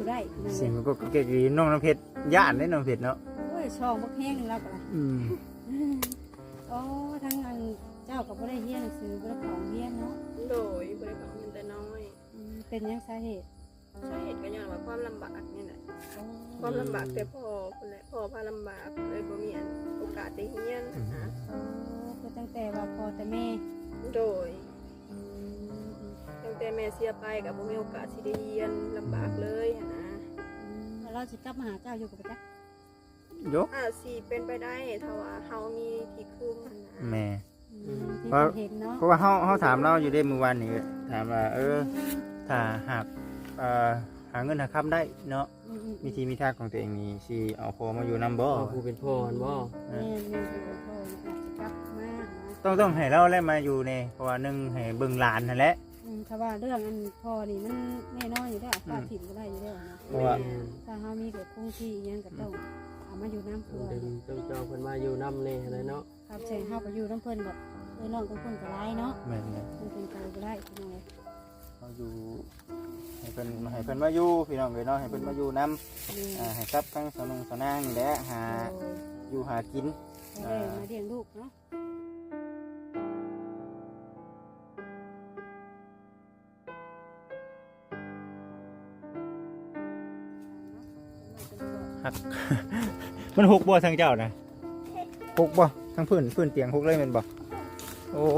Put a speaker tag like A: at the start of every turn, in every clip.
A: ได้
B: เสียงก็เก่งน้องน้ำเพชรย่านได้น้องเพชรเนาะ
A: โอ้ยช่องบักแห้งแล้วก็โอ้ทั้งอันเจ้าก็บ่ได้เรียนหนังสือบ่ได้ของเรียนเนาะ
C: โดยบริการเงินแต่น้อย
A: เป็นยังสาเหตุ
C: ก็ย้อนว่าความลำบากนี่แหละความลำบากแต่พ่อคนแหละพ่อพาลำบากเลยบ่มีโอกาสได้เรียนนะ
A: ก็ตั้งแต่ว่าพ่อแต่แม่
C: โดยตั้งแต่แม่เสียไปกับบ่มีโอกาสที่ได้เรียนลำบากเลยนะ
A: เราสิกลับมาหาเจ้าอยู่กับจ๊ะ
B: ยก
C: สิเป็นไปได้ถ้าว่าเฮามีที่คืน
B: แม่
A: ที่เห็นเนาะ
B: เพราะว่าเฮาถามเราอยู่ได้มื้อวานนี้ถามว่าถ้าหากหาเงินหาคำได้เนาะมีทีมีทางของตัวเองนี่สิเอาพ่อมาอยู่นำบ่
D: ผู้เป็นพ่อบ่
A: แม่เป็นพ่ออาจจะกลับมา
B: ต้องให้เราแล้วมาอยู่นี่เพราะว่านึงให้เบิ่งหลานนั่นแหละ
A: ถ้าว่าเรื่องอันพ่อนี่มันแน่นอนอยู่แล้วป้าถิ่นก็ได้อยู่แล้วนะ
B: เพราะว่า
A: ถ้าเฮามีเกิดคงที่ยังก็ต้องเอามาอยู่น้ำเพื่อ
D: เจ้าเพิ่นมาอยู่น้ำนี่อะไรเนาะ
A: ครับใช่เฮาไปอยู่น้ำเพิ่นแบบน้องต้องเพิ่นก็ร้ายเนาะ
B: แม่น
A: มันเป็นไปบ่ได้พี่น้องเลย
B: เฮาอยู่ให้เพิ่นมาอยู่พี่น้องเลยเนาะให้เพิ่นมาอยู่นำให้กับทั้งสนางนี่แหละหาอยู่หากิน
A: มาเลี้ยงลูกเนาะ
B: มันหกบ่ทางเจ้านะหกบ่ทางพื้นเตียงหกเลยแม่นบ่โอ้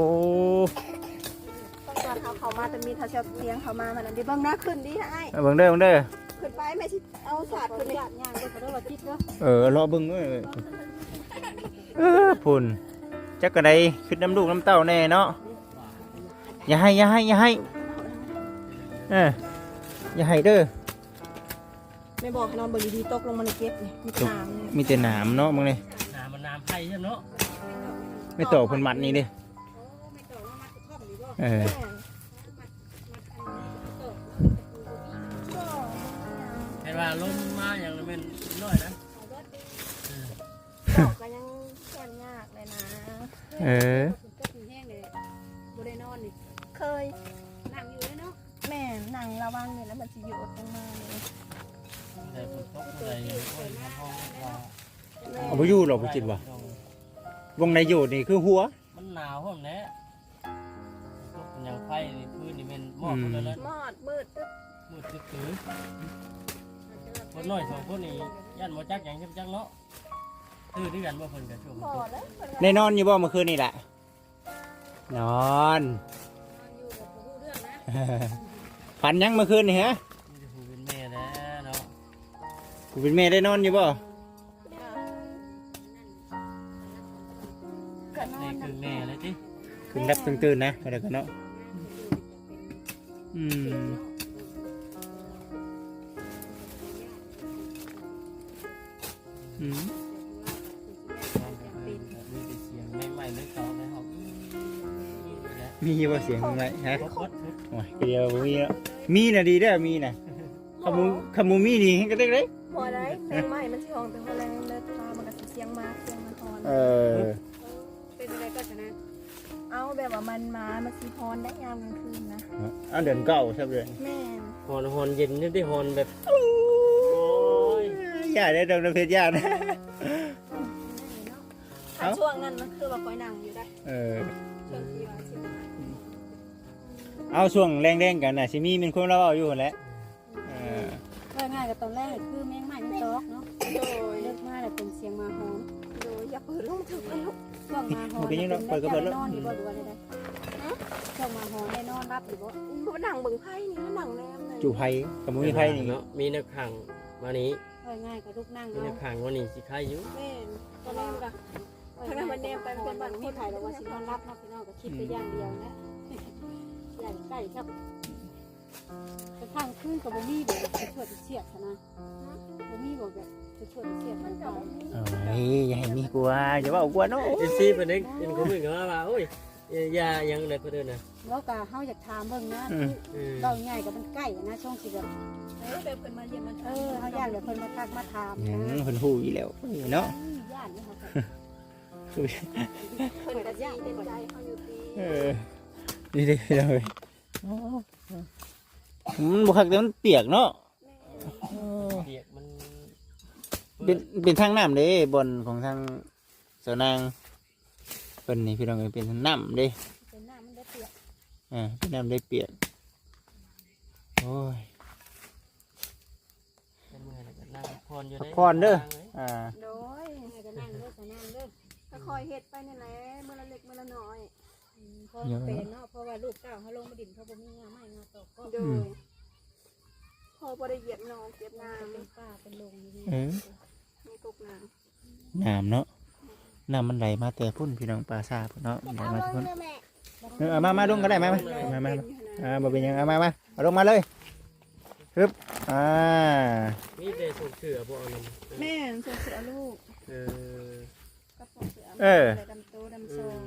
C: ตอนเขามาจะมีทาเชียเตียงเขามามันดิเบิ่งหน้าขึ้นดิให้
B: เบิ่งเด้อ
C: ขึ้นไปแม่สิเอาศาสตร์ขึ้น
A: ย่างเด้อก็ได้ว่าคิดเด้
B: อรอเบิ่งพุ่นจักกะไดขึ้นน้ำลูกน้ำเต้าแน่เนาะอย่าให้อย่าให้เด้อ
C: ไม่บอกนอนเบิ่งดีๆตกลงมาในเก็บนี่
B: มีแต่หนามเนาะมึงนี่
D: น้ำไผ่ใช่เนาะ
B: ไม่ต่อเพิ่นมัดนี่ดิ
D: เห็นว่าลมมาอย่างนั้นเป็นน้อยนะ
C: ก็ยังแค่ยากเลยนะ
A: ก็ถึงแห้งเลยบ่ได้นอนนี่
C: เคย
A: นั่งอยู่เลยเนาะ
C: แม่นั่งระวังเลยแล้วมันสิอยู่อดลงมาเลย
B: เอาไปอยู่หรอไปกินวะวงในอยู่นี่คือหัว
D: มันหนาวห้องนี้อย่างไฟนี่พื้นนี่เป็นมอดเลยเลย
C: มอดมืด
D: ตื้อคนน้อยสองคนนี่ยันโมจักอย่างจังเนาะตื้อที่กันว่าเพิ่นกับช่วง
B: ได้นอนอยู่บ่เมื่อคืนนี่แหละนอนฝันยังเมื่อคืนนี่ฮะ
D: เป็นแม่แล้วเนาะ
B: กูเป็นแม่ได้นอนอยู่บ่
D: นี่คือแม่เลยจิ
B: คือรับตื่นนะอะไรกันเนาะมีว่าเสียงอะไรฮะโอ้ยเดียวมีนะดีได้มีนะขมูมีดีก็ได้เลย
C: พอได้แม่ใหม่มันสิห้องเป็นคนแรงเลยพามันก็เสียงมาฮอน
A: เป็นอะไรก็ชนะ
C: เอาแบบว่ามันสิฮอนได้ยามกลางคืนนะ
B: เดือนเก่าใช่ไหม
C: แม่
D: ฮอนเย็นนี่ได้ฮอนแบบ
B: โอ้ยอย่าได้ดำเพชรยากนะ
C: ช่วงนั้นมันคือว่าคอยนั่งอยู่ได้ช่วงที่ว่า
B: เอาช่วงแรงๆกันนะชิมีเป็นคนเราเอาอยู่แหละ
A: ง่ายกับตอนแรกคือแมงใหม่มันตอกเนาะเลิกมาแต่เป็นเสียงมาฮอน
C: อย่าเปิดลงถึงแล้ว
A: ช่วงมาฮอนได้นอนอยู่บ่ดูว่าได้ช่วงมาฮอนได้นอนรับอยู่บ่
C: มันนั่งเบิ่งไพ่นี่มันนั่งแนมเลย
B: จู่ไพ่กับมือไพ่นี่
D: เนาะมีนักขังมานี้
A: ง่ายกับลูกนั่ง
D: มีนักขังวันนี้สิใครอยู่
C: แม่ตอนแรกอะทางนั้นมันแนมไปเป็นบ้าน
A: มีไผ่แล้วว่าสินอนรับเนาะพี่น้องก็คิดไปอย่างเดียวนะอย่างใกล้ครับกระทั่งคืนกับบ่มีแบบจะช่วยเสียดนะบ่มีบอกแบบจะช่วยเสียดมันก็
B: อย่าให้มีกลัวอย่าว่ากลัวเนาะ
D: ซีเป็นเด็กเป็นคนอื่นก็ว่าโอ้ยยายังเลยเพื่อนนะ
A: แล้วก็เฮาอยากถามเบิ่งนะเราง่ายกับมันใกล้นะช่องสิแบบ
C: เพิ่นมาเยี่ยมมัน
A: เฮาย่านแบบเพิ่นมาทักมาถาม
B: นะเพิ่นฮู้อีแล้วเนาะ
A: ย่านนี่เฮา
C: เพิ่นก็ย่านเต็มใจเฮาอยู่
B: ดีดีเลยมันบุคักแต่มันเปียกเนาะเป็นทางน้ำเด้บนของทางสาวนางเป็นนี่พี่น้องเอ้ยเป็นทางน้ำเด้
A: เป็นน้ำมันได้เปียก
B: เป็นน้ำได้เปียกโอ้ย
D: เป็นมือแล้วก็นั่งพรอยู่
B: พั
D: ได้
B: กผ่อนเด้อ
C: โดย
A: ให้ก็นั่งเด้อก็นั่งเด้อ
C: ก็คอยเฮ็ดไปนี่แหละมื้อละเล็กมื้อละน้อย
A: พอเป็นเนาะเพราะว่าลูกเต้าเขาลงมาดินเขาบ่มีงาไม้งาตอกก็
C: โดยพอบ่ได้เหยียบน้องเหยียบน้
A: เป็นป้าเป็นลงนี่
C: ำมีตกน้
B: น้ำเนาะน้ำมันไหลมาแต่พุ่นพี่น้องปลาซาพุ่นเนาะไหลมาแต่พุ่นมาลงก็ได้มาบ่เป็นหยังมาเอาลงมาเลยฮึบ
D: มีแต่ส่งเสือบ่เอานำ
C: ำแม่ส่งเสือลูก
D: เออ
C: กับส่งเสือใส่ดำโตดำซอง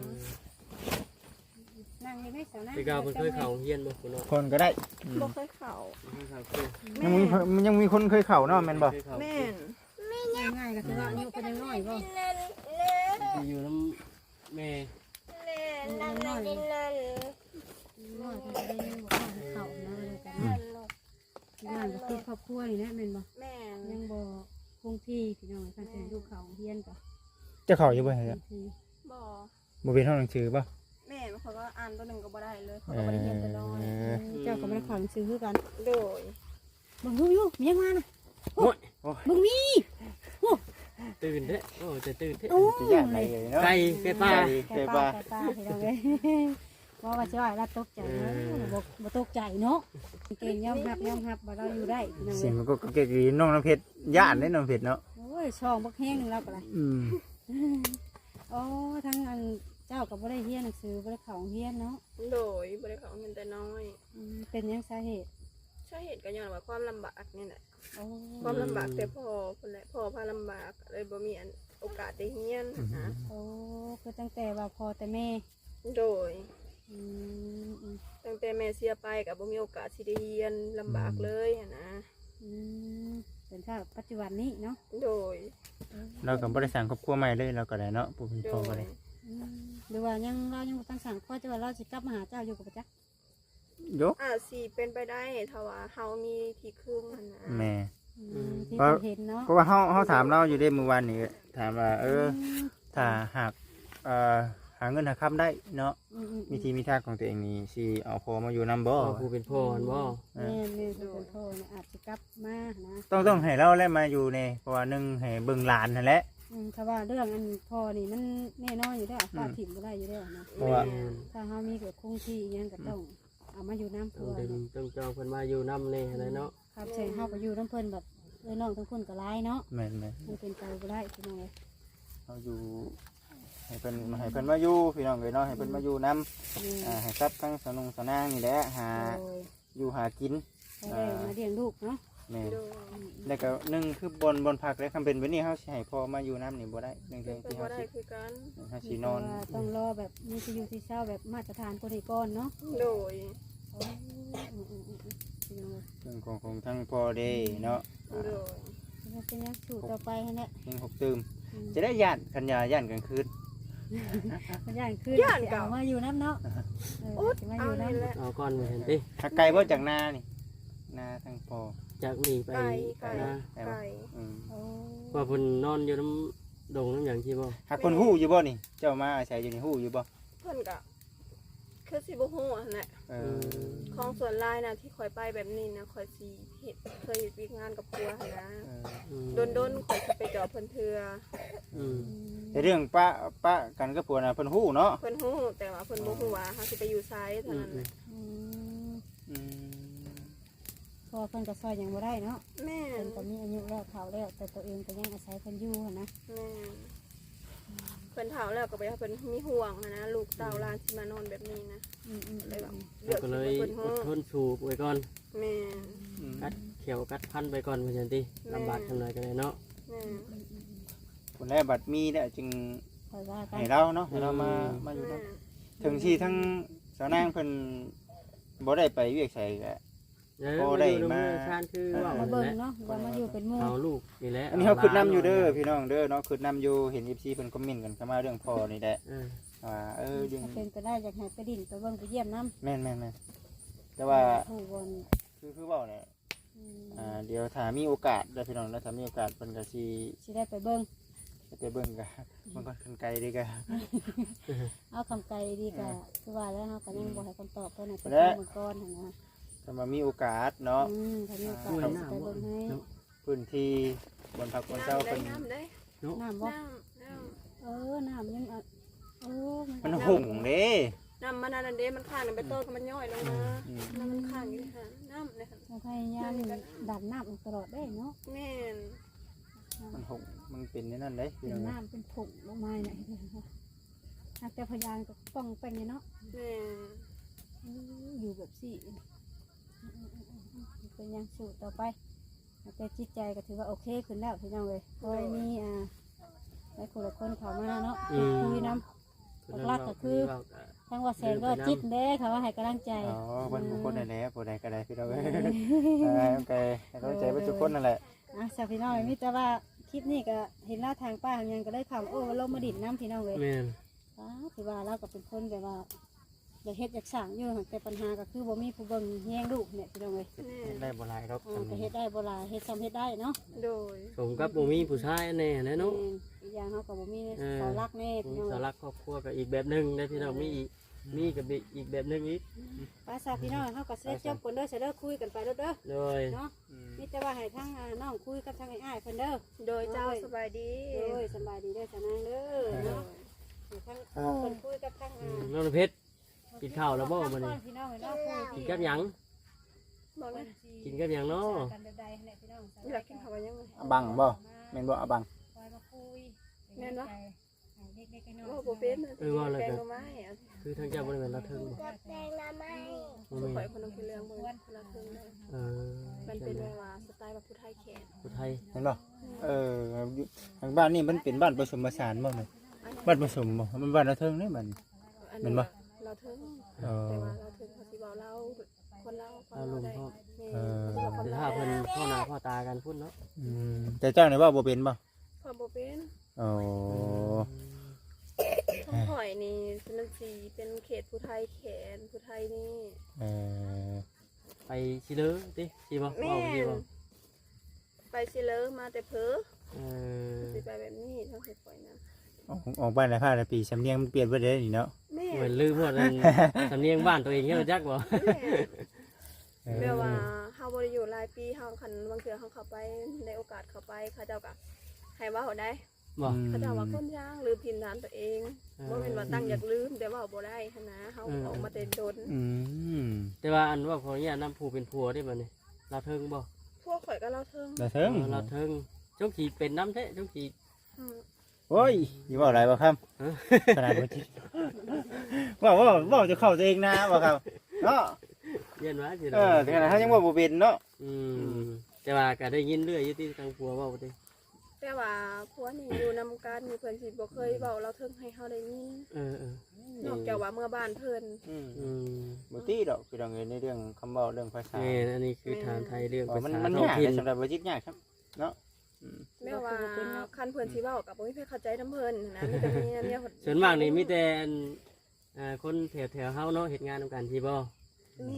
A: นั่งยังไม่สาวนั่ง
D: พี่กาวเพิ่นเคยเข้าเฮียนบ่พุ่นเนาะ
B: คนก็ได้
C: บ่เคยเข่า
D: เคยเข้าคือ
B: ยังมีคนเคยเข่าเนาะแม่นบ่
C: แม่น
A: ง่ายๆก็คือว่าอายุเพิ่นยังน้อยบ่
D: ที่อยู่น้ำแม่
A: น้อยเพิ่นจะได้ยังบ่เข้านะเลยกันงานก็คือครอบครัวนี่แหละแม่นบ่
C: แม่น
A: ยังบ่คงที่พี่น้องท่านเป็นลูกเขาเฮียนก็
B: จะเข่าอยู่บ่
A: ค
B: ฮะ
A: งที่
C: บ่
B: บ่เป็นห้องหนังสือบ่
C: แม่เขาก็อ่านตัวหนึ่งก็บ่ได้เลยเขาก็บ่ได้เรียนตัวน้อย
A: เจ้าก็บ่ได้เข้าหนังสือคือกัน
C: โดย
A: เบิ่งดูอยู่มียังมาน่ะ
D: โอ้ย
A: เบิ่งมี
D: ตื่นเด้โอ้จะตื่นเด้
A: โอ้
B: สิย่านไหนเลยเนาะ
D: ไก่ไก่ป่า
A: ไก่ป้าพี่น้องเอ้ยบ่ว่าสิว่าเราตกใจเนาะบ่ตกใจเนาะเก่งยอมรับว่าเราอยู่ได้พี่น้อง
B: เสี
A: เอ้
B: ยง
A: ย
B: มันก็เก๋ๆน้องน้ำเพชรย่านได้น้องเพชรเนาะ
A: โอ้ยช่องบักแห้งนึงแล้วก็ได้ โอ้ทั้งอันเจ้าก็บ่ได้เรียนหนังสือบ่ได้เข้าโรงเรียนเนาะ
C: โดยบ่ได้เขาเงินแต่น้อย
A: เป็นหยังสาเหตุ
C: ช่วยเหตุก็ย้อนว่าความลำบากนี่แหละ
A: โอ้
C: ความลำบากแต่พ่อคนแหละพ่อพาลำบากเลยบ่มีอันโอกาสได้เรียนนะ
A: โอ้คือตั้งแต่ว่าพ่อแต่แม่
C: โดย
A: อืม
C: ตั้งแต่แม่เสียไปก็บ่มีโอกาสสิได้เรียนลำบากเลยหั้นนะ
A: อืมเป็นถ้าปัจจุบันนี้เนาะ
C: โดย
B: เราก็บ่ได้สั่งครอบครัวใหม่เลยเราก็ได้เนาะปู่เป็น
C: โด
B: พ่อก็
C: ย
B: ได้
A: หรือว่ายังเรายังบ่ตั้งสั่งข้อจะว่าเราสิกลับมาหาเจ้าอยู่กับประจักษ์
B: ยก
C: อาจสิเป็นไปได้ถ้าว่าเฮามีที่ครึ่งหั้นนะ
B: แม่
A: ที่เราเห็นเนาะ
B: เพราะว่าเฮาถามเราอยู่ได้เมื่อวานนี้ถามว่าถ้าหากหาเงินหาคำได้เนาะมีทีมีทางของตัวเองนี่สิเอาพอมาอยู่นํบ่
D: พ่อผู้เป็นพ่อบ่
A: แม่คือเป็นพ่อเนี่ยอาจจะกลับมานะ
B: ต้องให้เราแล้วมาอยู่ในเพราะว่าหนึงให้เบิ่งหลานนั่นแหละ
A: ถ้าว่าเรื่องอันพ่อนี่มันแน่นอนอยู่แล้วป้าถิ่มบ่ได้อยู่แล้วนะ
B: เพราะว่า
A: ถ้าเฮามีเกิดคงที่อิหยังก็ต้องเอามาอยู่น้ำ
D: ต้อ
A: พั
D: ง
A: ว
D: ดึงต้องจองเพิ่นมาอยู่นำนี่อะไรเนาะ
A: ครับใช่เฮาก็อยู่น้ำเพิ่นแบบเอ้ยน้องทั้งคนก็ร้ายเนาะ
B: แม่น
A: มันเป็นไปบ่ได้พี่น้องเอ้ย
B: ๆเฮาอยู่ให้เพิ่นมาอยู่พี่น้องเอ้ยเนาะให้เพิ่นมาอยู่นํให้ทรัพย์ทั้งสนางนี่แหละหา
A: โดย
B: อยู่หากิน
A: ก็ได้มาเลี้ยงลูกเนาะ
B: แม่น
C: โดย
B: แล้วก็หนึ่งคือบนพักแล้วคำเป็นแบบนี้เฮาสิให้พอมาอยู่น้ำนี่บ่ได้หนึ่ง
C: เป็
B: เทื่
C: น
B: อ
C: ไป
B: ที่
C: บ่
B: เฮา
C: ได้
B: สิ
C: คือกัน
B: เฮาสินอน
A: ต้องรอแบบมีที่อยู่ที่เช่าแบบมาตรฐานกว่านี้ก่อนเนาะ
C: โดย
A: โอ้พี่น้องเอ้ย
B: เรื่องของทั้งพอเด้เนาะ
C: โดย
A: เป็นยังสู่ต่อไปฮะเนี่ย
B: ยังหกตื่มจะได้ย่านคันยาย่านกลางคืน
A: มันย่างขึ้นเอามาอยู่น้ำเนาะสิมาอ
C: เอา
A: ยู่
C: นี่
A: น้ำ
C: แหละ
D: เอาก่อนมาเห็นติ
B: ถ้าไกลบ่จากนานี่นาทั้งพอ
D: จากนี่ไป
C: ไก่
D: นะ
C: ไก่
A: โอ้
D: ว่าเพิ่นนอนอยู่น้ำดงน้ำหยังที่บ่
B: หากคนฮู้อยู่บ่นี่ เจ้ามาอาศัยอยู่นี่ฮู้อยู่บ่
C: เพิ่นก็คือสิบ่ฮู้อันแหละ ของส่วนลายนะที่คอยไปแบบนี้นะคอยสีเห็ดเคยเห็ดวิกงานกับครัวหั่นนะโดนคอยสิไปเจาะเพิ่นเทือ
B: แต่เรื่องป้ากันกับผัวน่ะเพิ่นฮู้เนาะ
C: เพิ่นฮู้แต่ว่าเพิ่นบ่ฮู้ว่าเฮาสิไปอยู่ไซส์เท่านั้นแหละ
A: พอเพิ่นก็ซอยยังบ่ได้เนาะ
C: แม่
A: เพิ่นก็มีอายุแล้วเฒ่าแล้วแต่ตัวเองก็ยังอาศัยเพิ่นอยู่นะ
C: แม่เพิ่นเฒ่าแล้วก็ไปเพิ่นมีห่วงหั้นนะลูกเต้าหลานสิมานอนแบบนี้นะเลยว่าเลือก
D: ก็
C: สิ
D: เลย
C: เพิ่น
D: อ
C: ฮู้
D: ดทนสูบไว้ก่อน
C: แม่
D: กัดเขียวกัดพันไปก่อนเพื่อนติลำบากทำไรกันเลยเนาะ
C: แม่
B: คนแรกบัดมีแล้วจึง
A: คอยว่ากัน
B: ให้เราเนาะให้เรามาอยู่
C: แม่
B: นำถึงที่ทั้งสาวนางเพิ่นบ่ได้ไปเวียกไสก็
D: พอได้มาชานคือว่า
A: มาเบิ่งเนาะว่ามาอยู่เป็นหมู่
D: เอาลูกนี่แหละ
B: อันนี้เขาคืดน้ำอยู่เด้อพี่น้องเด้อเนาะคืดน้ำอยู่เห็น FC เพิ่นคอมเมนต์กันเข้ามาเรื่องพ่อนี่แหละเรื่อง
A: ถ้าเป็นไปได้อยากให้ไปดินไปเบิ่งไปเยี่ยมน้ำ
B: แม่นแต่ว่า
A: ผู้บน
B: คือเว้าเนี่ยเดี๋ยวถ้ามีโอกาสได้พี่น้องแล้วถ้ามีโอกาสเพิ่นก็สิ
A: ได้ไปเบิ่ง
B: ไปเบิ่งกันมันก็กันไกลดีกัน
A: เอาคำไกลดีกะคือว่าแล้วเฮาก็ยังบ่ให้คำตอบเพิ่นให้ไป
B: และ
A: เบิ่งก่อนหั่นนะ
B: ถ้ามามีโอกาสเนาะ
A: ถ้ามีโอกาสก็สิไปเบิ่งให้
B: พื้นที่บนพักบนเจ้า
C: ได้
B: เป็น
C: น้ำได้
A: น้ำบ่
C: น้ำ
A: น้ำยัง
B: มันหุ่งเด้
C: น้ำมันนั่นเด้มันข้างไปต้นก็มันย่อยลงมาน้ำมันข้างอยู่ค่ะน้ำเลยค่ะ
A: เราพยายามดันน้ำตลอดได้เนาะ
C: แม่น
B: มันหุ่งมันเป็นนั่นเด้พี่
A: เป็น
B: น้อง
A: น้ำเป็นผงลงมาเนี่ยแต่พยานก็ป้องเป็นเนาะ
C: แม่น
A: อยู่แบบสี่เป็นยังสูตรต่อไปแต่จิตใจก็ถือว่าโอเคขึ้นแล้วพี่น้องเลยคอยมีได้คนละคนเขามาเนาะคุยน้ำรักก็คือทั้งว่าแสนก็จิตเด้เขาว่าให้กำลังใจ
B: อ๋อเป็นบุคคลได้แล้วผู้ใดก็ได้พี่น้องเอ้ยโอเคเข้าใจเป็นทุกคนนั่นแหละ
A: สาวพี่น้องมิแต่ว่าคลิปนี้ก็เห็นหน้าทางป้ายังก็ได้ข่าวโอ้ลงมาดิ่นน้ำพี่น้องเลย
D: แม่น
A: ถือว่าเราก็เป็นคนแบบว่าอยากเฮ็ดอยากสั่งอยู่แต่ปัญหาก็คือบ่มีผู้เบิ่งแย่งลูกเนี่ยพี่น้องเลย
B: ได้บ่หลายครับ
A: ก็เฮ็ดได้บ่ล่ะเฮ็ดซ้ำเฮ็ดได้เนาะ
C: โดย
D: สมกับบ่มีผู้ชายแน่นะเนาะ
A: อีกอย่างเขาก็บ่มีเสาหลักแน่พี่
D: มี
A: น้อง
D: สารักครอบครัวก็อีกแบบหนึงได้พี่น้องมีกับอีกแบบหนึงอีก
A: ป้าสาวพี่น้องเขาก็สิได้จบกันเด้อสิเด้อคุยกันไปเด้อ
D: โดย
A: เนาะมีแต่ว่าให้ทั้งน้องคุยกับทั้งอ้ายเพิ่นเด้อ
C: โดยเจ้าสบายดี
A: โอ้ยสบายดีเด้อสนางเด้อเนาะทั้งเพิ่นคุยกับทั้ง
D: น้องเพชรกินข้าวแล้วบ่มื้อนี้
A: พี่น้องเนาะ
D: กินกับหยัง
C: บอกเลย
D: กินกับหยังเนาะ
A: กันใดๆเนี่ยพี่น้อง
C: อยากกินข้าวยังไง
B: อบังบ่แม่นบ่อบัง
A: คอยมาคุย
C: แม่นวะ
A: เด็กๆน้อย
C: ว่าโบเป็นแกงหน่อไม้
D: คือทางเจ้าบ่ได้เป็นละเทิงบ่
C: แกงหน่อไม้
D: บ่
C: ข่อ
D: แม่
C: ย
D: น
C: คนนึงคือเรื่องคนละครึ่งเลย
D: เออ
C: มันเป็นเวลาสไตล์แบบผู้ไทยแขก
D: ผู้ไทย
B: เห็นบ่ทางบ้านนี่มันเป็นบ้านผสมผสานบ่เนี่ยบ้านผสมบ่มันบ้านละเทิงนี่มัน
C: เราถึงแต่ว่าเราถึงเขาสิบอกเราคนเรา
D: เอาลุงพ่อ
C: คน
D: แต่
C: เรา
D: ถ้าเพิ่นพ่อหน้าพ่อตากันพุ่นเนาะ
B: แต่เจ้าเนี่ยว่าบ่เป็นบ่
C: พอโบเป็น
B: โอ้
C: ทั้งข่อยนี่เป็นสีเป็นเขตผู้ไทยแขนผู้ไทยนี่
D: ไปสิเลอติสิบ่
C: แม่
D: เว้าสิบ่
C: ไปสิเลอมาแต่เพอ
D: เออ
C: สิไปแบบนี้ทั้งเขตข่อยนะ
B: ออกบ้านละ5ปีสำเนียงมันเปลี่ยนไปเลยนี่เนาะ
C: แม่
D: เหมือนลืมหมดนั่นสำเนียงบ้านตัวเองเฮ็ดจักบ่
C: แม่ว่าเฮาบ่ได้อยู่หลายปีเฮาคันบางเทื่อเฮาเข้าไปได้โอกาสเข้าไปเขาเจ้าก็ให้ว่าเฮาได้
D: บ่
C: เขาเจ้าว่าคนย่างลืมถิ่นฐานตัวเองบ่แม่นว่าตั้งอยากลืมแต่ว่าบ่ได้หันนะเฮาออกมาแต่โดน
D: แต่ว่าอันว่าขออนุญาตนำผู้เป็นผัวได้บ่นี่ลาเทิงบ่
C: พวกข่อยก็เล่าเทิง
B: ละเทิง
D: ลาเทิงจงสิเป็นน้ำแท้จงสิ
B: โอ้ยอยู่ว่าอะไรบ่ครับขนาดบ่จิตว่าจะเข้าตัวเองนะบ่ครับเนาะ
D: เรียนว่าสิ
B: แต่ขนาดเฮายังว่าบ่เป็นเนาะ
D: แต่ว่าก็ได้ยินเรื่อยอยู่ที่ทางผัวเว้าติ
C: แต่ว่าพวกนี้อยู่นำกันมีเพิ่นสิบ่เคยเว้าเล่าเทิงให้เฮาได้ยิน
D: เออ
C: นอกจากว่าเมื่อบ้านเพิ่น
B: บ่ตีดอกพี่น้องเอ้ยในเรื่องคำเว้าเรื่องภาษา
D: นี่อันนี้คือทางไทยเรื่องภา
B: มัน
D: ษา
B: มัน
D: ท้อง
B: ยาก
D: ถิ่น
B: สำหรับบ่จิตยากครับเนาะ
C: แม่ว่าคันเพิ่นสิเว้าก็บ่มีใครเข้าใจนำเพิ่นนะมีแต่มีเนี่ย
D: ส่วนมากนี่มีแต่คนแถวๆเฮาเนาะเฮ็ดงานนำกันที่บ่
C: นี่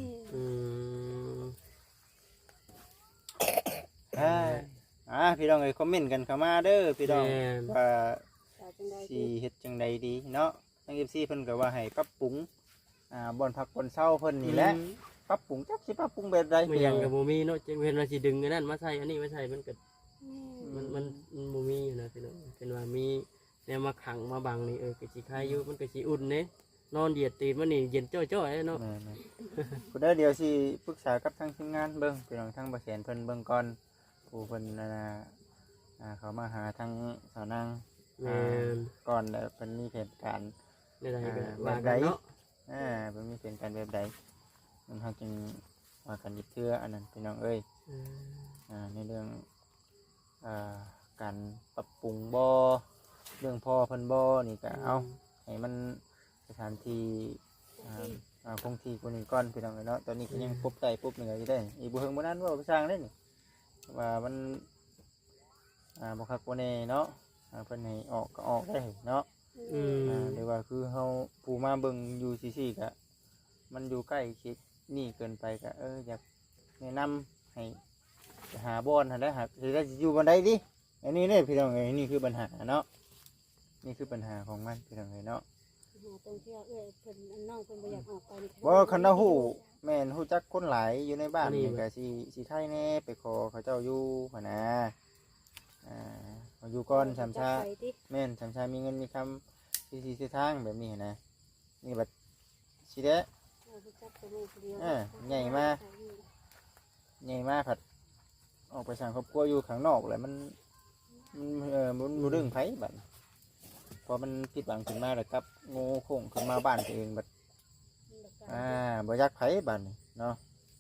B: พี่น้องเอ้ยคอมเมนต์กันเข้ามาเด้อพี่น้องว่า
A: จังใด
B: สิเฮ็ดจังใดดีเนาะทาง FC เพิ่นก็ว่าให้ปรับปรุงบ่อนพักบ่อนเช่าเพิ่นนี่แหละปรับปรุงจักสิปรับปรุงแบบใด
D: บ่ยังก็บ่มีเนาะจังเพิ่นว่าสิดึงอันนั้นมาใส่อันนี้มาใส่มันก็มันบ่มีอยู่นะพี่น้องเป็นว่ามีแนวมาขังมาบังนี่ก็สิคายอยู่มันก็สิอุ่นเด้นอนเหยียดตีนมันนี่เย็นจ้อยๆเนาะ
B: ผู้ใดเดี๋ยวสิปรึกษากับทางทีมงานเบิ่งพี่น้องทางบ่แสนเพิ่นเบิ่งก่อนผู้เพิ่นเขามาหาทางสาวนาง
D: แม่น
B: ก่อนแล้วเพิ่นมีเหตุการณ์
D: ได้ก็ว่ากันเนาะ
B: เพิ่นมีเหตุการณ์แบบใดมันเฮาจึงว่ากันอีกเทื่ออันนั้นพี่น้องเอ้ยในเรื่องการปรับปรุงบ่เรื่องพ่อเพิ่นบ่นี่ก็เอาให้มันสถานที่คงที่กว่านี้ก่อนพี่น้องเอ้ยเนาะตอนนี้ก็ยังพบใต้พบเหนืออยู่ได้อีกบ่เฮิงบ่นั้นว่าไปสร้างได้นี่ว่ามันบ่คักบ่แน่เนาะเพิ่นให้ออกก็ออกได้เนาะหรือว่าคือเฮาผู้มาเบิ่งอยู่ซื่อๆก็มันอยู่ใกล้ชิดนี่เกินไปก็อยากแนะนำให้หาบอนหั่นแหละหาสิได้สิอยู่บ่ได้ดิอันนี้เนี่ยพี่น้องเอ้ยนี่คือปัญหาเนาะนี่คือปัญหาของมันพี่น้องเอ้ยเนาะ
A: หาตรงที่ว่าเพิ่นอันน้องเพิ่นบ่อยากออกไปนี่
B: บ่คันเราฮู้แม่นฮู้จักคนหลายอยู่ในบ้านนี่ก็สิไทยแน่ไปขอเขาเจ้าอยู่หั่นนะเขาอยู่ก่อนสามชาแม่นสามชามีเงินมีคำสิทางแบบนี้นะนี่บัดสิเด้ใหญ่มาผัดออกไปสั่งครอบครัวอยู่ข้างนอกเลยมันบ่ดึงไผบัดพอมันผิดหวังขึ้นมาแล้วกับโง่โค้งขึ้นมาบ้านตัวเองบัดบ่อยากไผบัดนี่เนาะ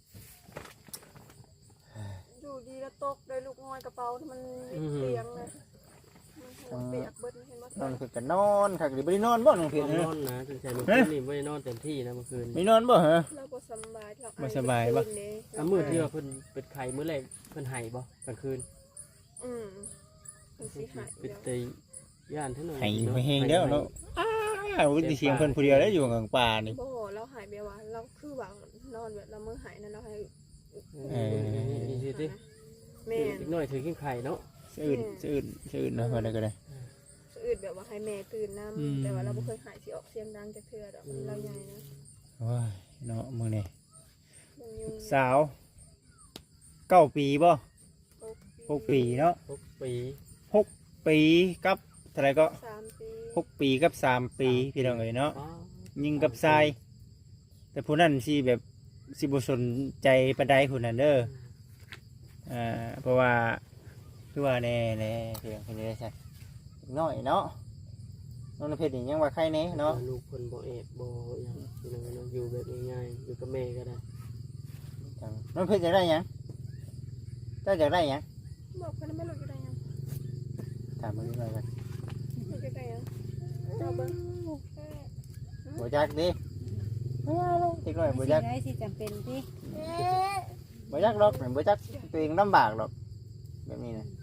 C: อยู่ดีแล้วตกได้ลูกงอยกระเป๋าที่มันเตียงเลยมันหัวเปียกเบิดเห็นบ่
B: นอนคือกันนอนคักหรือบ่ได้นอนบ่น้องเพียร
D: นอนนะจนใจเมื่อคืนนี่ไม่ได้นอนเต็มที่นะเมื่อคืน
B: ไม่นอนบ่เหรอ
C: เราบ่สบายเรา
B: บ่สบายบ่
D: มื้อที่ว่าเพิ่นเป็นไข้มื้อแรกเพิ่นให้บ่กลางคืน
C: มันสิหาย
D: เป็นไตย่านเท่านั้น
B: ให้ไปแฮงเด้อเนาะอุ้ยเสียงเพิ่นผู้เดียวได้อยู่กลางป่านี่
C: บ่เราหายไปว่าเราคือว่านอนแบบเรามือหายนั่นเราให้
D: นี่สิติ
C: แม่
D: อีกหน่อยถือกินไข่เนาะ
B: สะอื่นเนาะว่าได้ก็ได้
C: สะอืดแบบว่าให้แม่ตื่นน้ำแต่ว่าเราบ่เคยหายสิออกเสียงดังจักเทื่อดอกเราใหญ่นะ
B: โอ้ยเนาะมื้อนี้
C: มันยุง
B: สาว9 ปีบ่6 ปีเนาะ
D: 6 ปี
B: 6 ปีกับเท่าไหร่ก็
C: 3 ปี
B: 6 ปีกับ3 ปีพี่น้องเอ้ยเนาะยิงกับทรายแต่ผู้นั้นสิแบบสิบ่สนใจปานใดผู้นั้นเด้อเพราะว่าคือว่าแน่เพียงคนนี้ใช่น้อยเนาะน้องเพชรนี่ยังว่าใครแน่เนาะ
D: ลูกเพิ่นบ่แอบบ่หยังพี่น้องเนาะอยู่แบบง่ายๆอยู่กับแม่ก็ได้
B: น้องเพชรอยากได้หยังเจ้าอยากได้หยัง
C: บอกเพิ่นไม่รู้อยู่ได้ยัง
B: ถามมึงหน่อยกัน
C: รู้อยู่ได้ยังเจ้าเบิ่ง
B: บ่อยากดิอีกหน่อยบ่อยาก
A: ได้สิจำเป็นที่
B: บ่อยากหรอกบ่อยากตัวเองลำบากหรอกแบบนี้นะ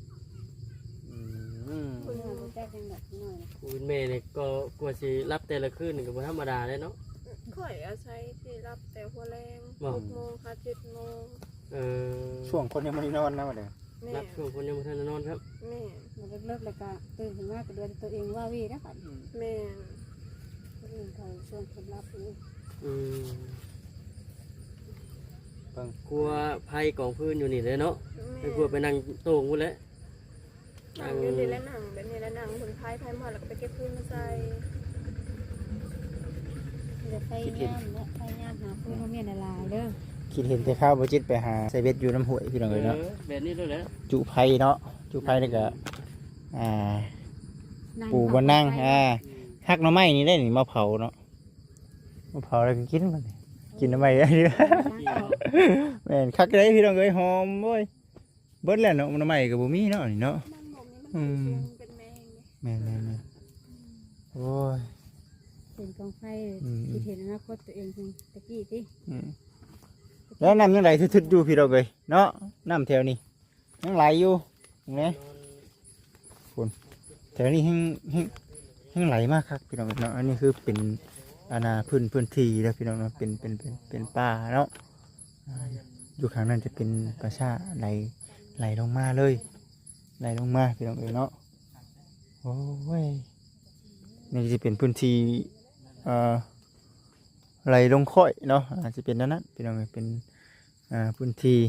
A: เพิ่นบ่จักจังดอกน้อยนะ
D: กูเป็นแม่นี่ก็กว่าสิรับแต่ละคืนนี่ก็บ่ธรรมดาเด้เนาะ
C: ข่อยอาศัยที่รับแต่หัวแรง 6 โมงค่ะ 7 โมง
B: ช่วงคนยังไม่ได้นอนนะมาเด้อ
C: แม่
D: รับช่วงคนยังบ่ทันได้นอนครับ
C: แม่
A: มันเลิกแล้วก็ตื่นขึ้นมาก็เดือนตัวเองว่าวีนะบัด
C: แม่
A: คนอื่นเขาชวนคนรับอยู่
D: กลัวภัยกองพื้นอยู่นี่เลยเนาะไม่กลัวไปนั่งโต่งพุ่นแหล้ว
C: หนังอยู่ดีแล้วหนังแบบนี้แล้วหนังผลพายหมดแล้วก็ไปเก็บพื้นมาใส่
A: เดี๋ยวไปย่ามและไปย่ามหาพื้นมาเมียนหลายเด้อ
B: คิดเห็นแต่ข้าวบ่จิตไปหาใส่เบ็ดอยู่น้ำห้วยพี่น้องเอ้ยเนาะ
D: แบบนี้ด้วยแหละ
B: จุไผ่เนาะจุไผ่แล้วก็ปูบนนั่งหักหน่อไม้นี่ได้นี่มาเผาเนาะมาเผาแล้วก็กินมันกินหน่อไม้ได้เด้อแม่นคักได้พี่น้องเอ้ยหอมโว้ยเบิดแล้วเนาะหน่อไม้ก็บ่มีเนาะนี่เนาะ
C: นั่งบ่มีมันเป็นแมง
B: แม่นโอ้ย
A: เป็นกองไฟคิดเห็นอนาคตตัวเองเพิ่นตะกี้ติ
B: แล้วน้ำยังไหลทึดๆอยู่พี่น้องเอ้ยเนาะน้ำแถวนี้ยังไหลอยู่เห็นไหมแถวนี้ยังไหลมากครับพี่น้องเนาะอันนี้คือเป็นพื้นที่แล้วพี่น้องเนาะเป็นป่าเนาะอยู่ข้างนั้นจะเป็นประชาไหลลงมาเลยไหลลงมาพี่น้องเอ้ยเนาะโอ้ยนี่จะเป็นพื้นที่ไหลลงค่อยเนาะอาจจะเป็นนั้นพี่น้องเอ้ยเป็นพื้นที่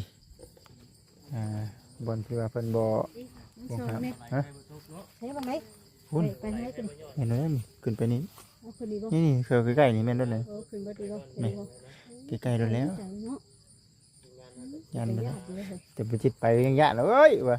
B: บนที่ว่าเพิ่นบ่ครับฮะ
A: ใช้บ่ไหน
B: คุณ
A: ไปให้ขึ้น
B: เห็นไหมนี่ขึ้นไปนี่
A: เอาขึ้นดีบ่
B: นี่เคยใกล้ๆนี่แม่นด้วยเลย
A: ขึ้นบ่ดีบ่
B: ใกล้ๆด้วยแล้ว
A: เนาะ
B: ยันไป
A: ไป
B: แล้ว
A: ยากเลย
B: แต่ไปจิตไปยังยะแล้วเอ้ยวะ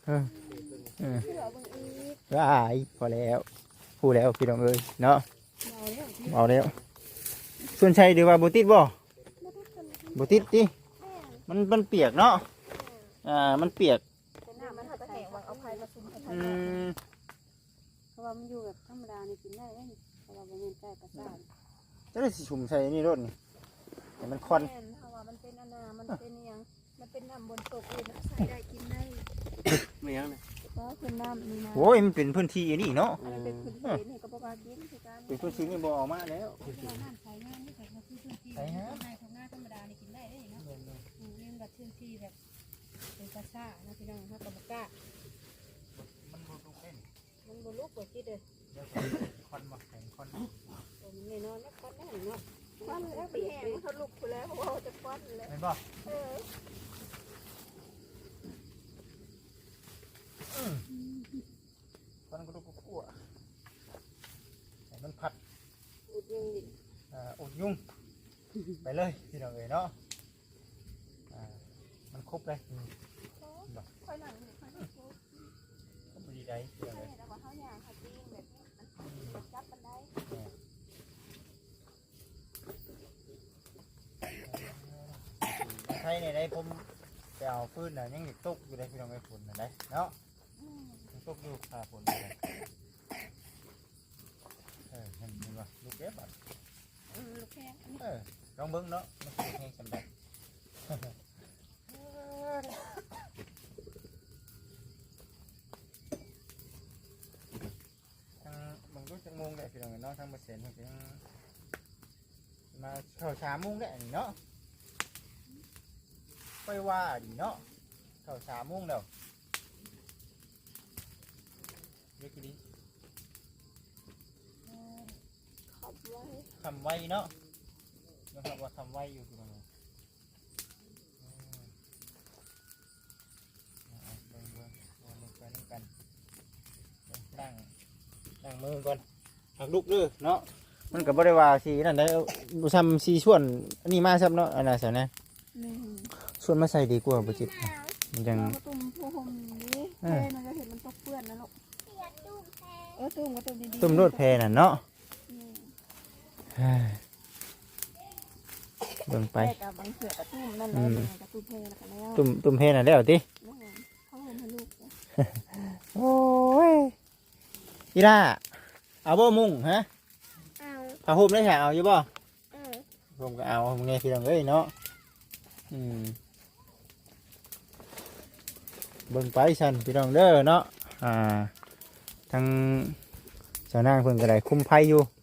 B: ว้ายพอแล้วพูดแล้วพี่น้องเอ้ยเนาะเอาแล้วส่วนชัยเดี๋ยวว่าบุติดบ่บุติดดิมันเปียกเนาะมันเปียก
C: เป็นน้ำมันหาตะแหงวางเอาพายมาซุ่มให้ทาน
A: เพราะว่ามันอยู่แบบธรรมดานี่กินได้เลยเพราะว่าบ่แม่นใกล้ประสาท
B: จะได้สิชุ่มใส่นี่รถนี่แต่มันควัน
C: แม่นเพราะว่ามันเป็นมันเป็นยังมันเป็นน้ำบนตกเลยใส่ได้กินได้
D: ไม่ยังนะ
C: เพราะเป็นน้ำนี่นะ
B: โอ้ยมันเป็นพื้นที่อันนี้เนาะ
C: มันเป็นพื้นที่นี่ก็บ่ว่ากินคือกัน
B: เป็นพื้นที่นี่บ่ออกมาแล้ว
A: น้ำใช้งานนี่ก็คือพื้นที่ในของหน้าธรรมดานี่กินได้เลยเนาะเรียนแบบพื้นที่แบบเป็นกระซ่านะพี่น้องเขาก็บ่กล้า
B: มันบ่ลุกเล่น
A: มันบ่ลุกบ่คิดเด้อ
B: เดี๋ยวคอนบ่แข็งคอน
A: ตัวมันแน่นอนแล้วควันแน่นเนาะ
C: ควันแล้วไปแห้งเขาลุกไปแล้วเพราะว่าจะควันแล้ว
B: เห็นบ่
C: เออ
B: คอนก็ลุกก็คั่วให้มันผัด
A: อุดยังดิ
B: อุดยุ่งไปเลยพี่น้องเอ๋ยเนาะมันครบเลย
C: ค่อยหนังค่อยหนัง
B: ครบดีได้พี่น้องเอ๋ย
C: แต่ว่าเขาอย่างเขาจริงแบบมันจับกันได้
B: ใช่ในได้ผมไปเอาฟืนน่ะยังอยู่ตกอยู่ได้พี่น้องเอ๋ยฝนน่ะได้เนาะยังตกอยู่ขาฝนอยู่เลยเห็นว่าลูกเก็บอ่ะ
C: ลูกแข้ง
B: ลองเบิ้งเนาะมันคือแห้งสำเร็จทางบางรุ่นจังมงได้พี่น้องเนาะทางเปอร์เซ็นต์มันจะมาเข้า3 โมงได้เนาะไปว่าดีเนาะเข้า3 โมงแล้วเรียกดี
C: ขับไว้
B: ทำไว้เนาะนะครับว่าทำไว้อยู่พี่น้องเบิ่งไปนั่งกันนั่งมือก่อนหักลุกด้วยเนาะมันกับบริวารสีนั่นได้บุษำสีส่วนอันนี้มาซับเนาะอันนั้นสินะส่วนมาใส่ดีกว่าบุจิตมันยัง
C: กระตุ้มผู้ห่มนี้เพ่มันก็เห็นมันตกเปื้อนนะลูกตุ้มกระตุ้มดีๆ
B: ตุ่มรดเพนั่นเนาะเบิ่งไป
C: กับบางเสือกระตุ้มนั่นแหละกระตุ้มเพ่แล้วกันแล้ว
B: ตุ่มเพนั่นแล้วติ
C: เขาเห็นให้ลูก
B: โอ้ยอีล่าเอาบ่มุ้งฮะ
C: เอา
B: ผ้าห่มได้แถเอาอยู่บ่
C: เออ
B: ผมก็เอาไงพี่น้องเอ้ยเนาะเบิ่งไปสั่นพี่น้องเด้อเนาะทางเจ้านางเพิ่นก็ได้คุมไผอยู่